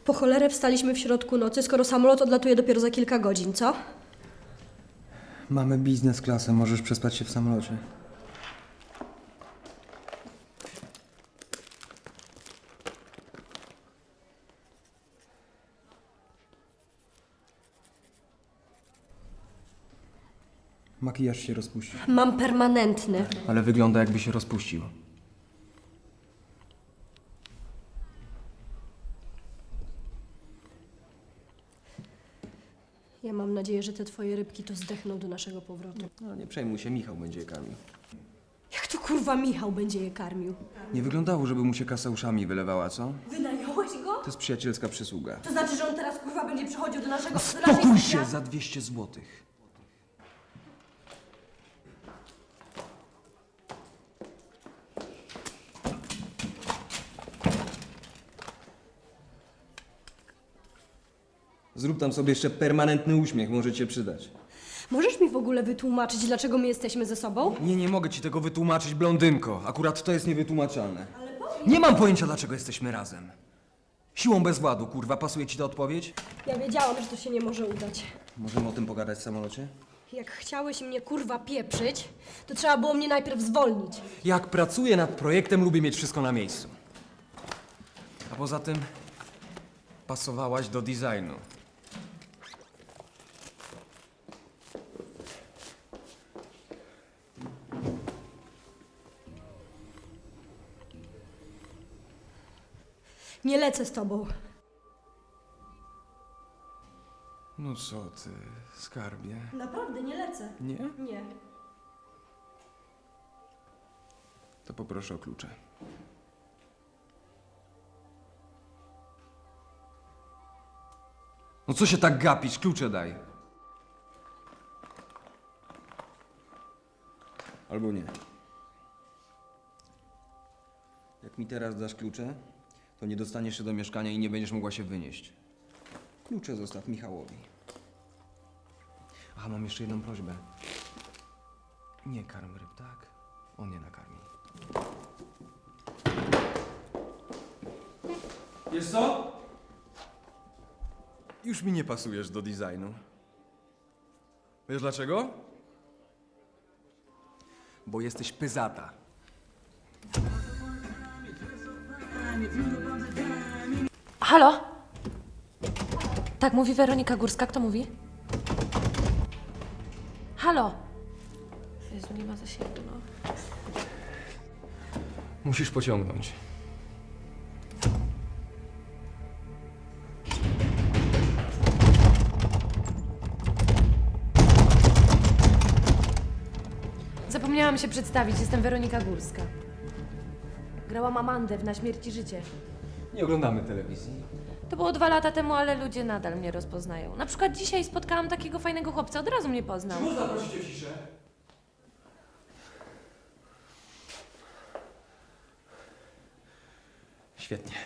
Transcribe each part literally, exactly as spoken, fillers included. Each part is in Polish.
Po cholerę wstaliśmy w środku nocy, skoro samolot odlatuje dopiero za kilka godzin, co? Mamy biznes klasę, możesz przespać się w samolocie. Makijaż się rozpuścił. Mam permanentny. Ale wygląda, jakby się rozpuścił. Ja mam nadzieję, że te twoje rybki to zdechną do naszego powrotu. No nie przejmuj się, Michał będzie je karmił. Jak to kurwa Michał będzie je karmił? Nie wyglądało, żeby mu się kasa uszami wylewała, co? Wynająłeś go? To jest przyjacielska przysługa. To znaczy, że on teraz kurwa będzie przychodził do naszego... do Spokój naszej się sypia? za dwieście złotych. Zrób tam sobie jeszcze permanentny uśmiech, może cię przydać. Możesz mi w ogóle wytłumaczyć, dlaczego my jesteśmy ze sobą? Nie, nie mogę ci tego wytłumaczyć, blondynko. Akurat to jest niewytłumaczalne. Nie mam pojęcia, dlaczego jesteśmy razem. Siłą bezwładu, kurwa, pasuje ci ta odpowiedź? Ja wiedziałam, że to się nie może udać. Możemy o tym pogadać w samolocie? Jak chciałeś mnie kurwa pieprzyć, to trzeba było mnie najpierw zwolnić. Jak pracuję nad projektem, lubię mieć wszystko na miejscu. A poza tym pasowałaś do designu. Nie lecę z tobą. No co ty, skarbie? Naprawdę nie lecę. Nie? Nie. To poproszę o klucze. No co się tak gapisz? Klucze daj. Albo nie. Jak mi teraz dasz klucze, to nie dostaniesz się do mieszkania i nie będziesz mogła się wynieść. Klucze zostaw Michałowi. Aha, mam jeszcze jedną prośbę. Nie karm ryb, tak? On je nakarmi. Wiesz co? Już mi nie pasujesz do designu. Wiesz dlaczego? Bo jesteś pyzata. Halo? Tak, mówi Weronika Górska. Kto mówi? Halo? Jezu, nie ma zasięgu, no. Musisz pociągnąć. Zapomniałam się przedstawić. Jestem Weronika Górska. Grałam Amandę w Na śmierć i życie. Nie oglądamy telewizji. To było dwa lata temu, ale ludzie nadal mnie rozpoznają. Na przykład dzisiaj spotkałam takiego fajnego chłopca, od razu mnie poznał. Można prosić o ciszę? Świetnie.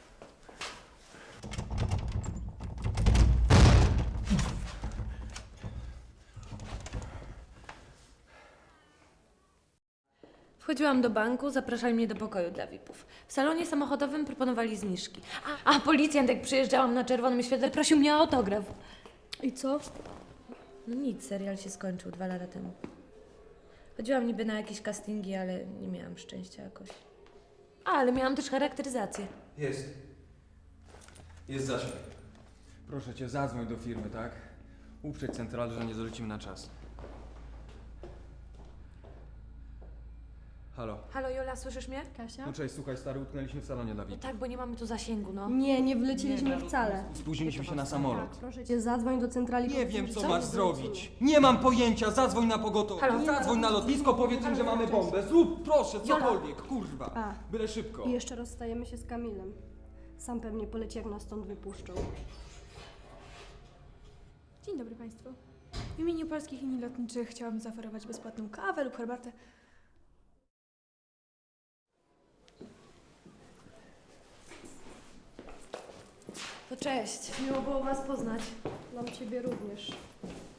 Wchodziłam do banku, zapraszali mnie do pokoju dla V I P-ów. W salonie samochodowym proponowali zniżki. A, a policjant, jak przyjeżdżałam na czerwonym świetle, prosił mnie o autograf. I co? No nic, serial się skończył dwa lata temu. Chodziłam niby na jakieś castingi, ale nie miałam szczęścia jakoś. A, ale miałam też charakteryzację. Jest. Jest zasięg. Proszę cię, zadzwoń do firmy, tak? Uprzedź centralę, że nie dolecimy na czas. Halo. Halo Jola, słyszysz mnie? Kasia? No cześć, słuchaj, stary, utknęliśmy w salonie dla V I No P. tak, bo nie mamy tu zasięgu, no. Nie, nie wleciliśmy wcale. Spóźniliśmy się na samolot. Proszę cię, zadzwoń do centrali. Nie wiem, co Co? masz zrobić. Nie mam pojęcia, zadzwoń na pogotowie. Halo? Zadzwoń na lotnisko, powiedz im, że mamy bombę. Zrób, proszę, cokolwiek, kurwa. A. Byle szybko. I jeszcze rozstajemy się z Kamilem. Sam pewnie poleci, jak nas stąd wypuszczą. Dzień dobry Państwu. W imieniu Polskich Linii Lotniczych chciałabym zaoferować bezpłatną kawę lub herbatę. To cześć, miło było was poznać. Nam ciebie również.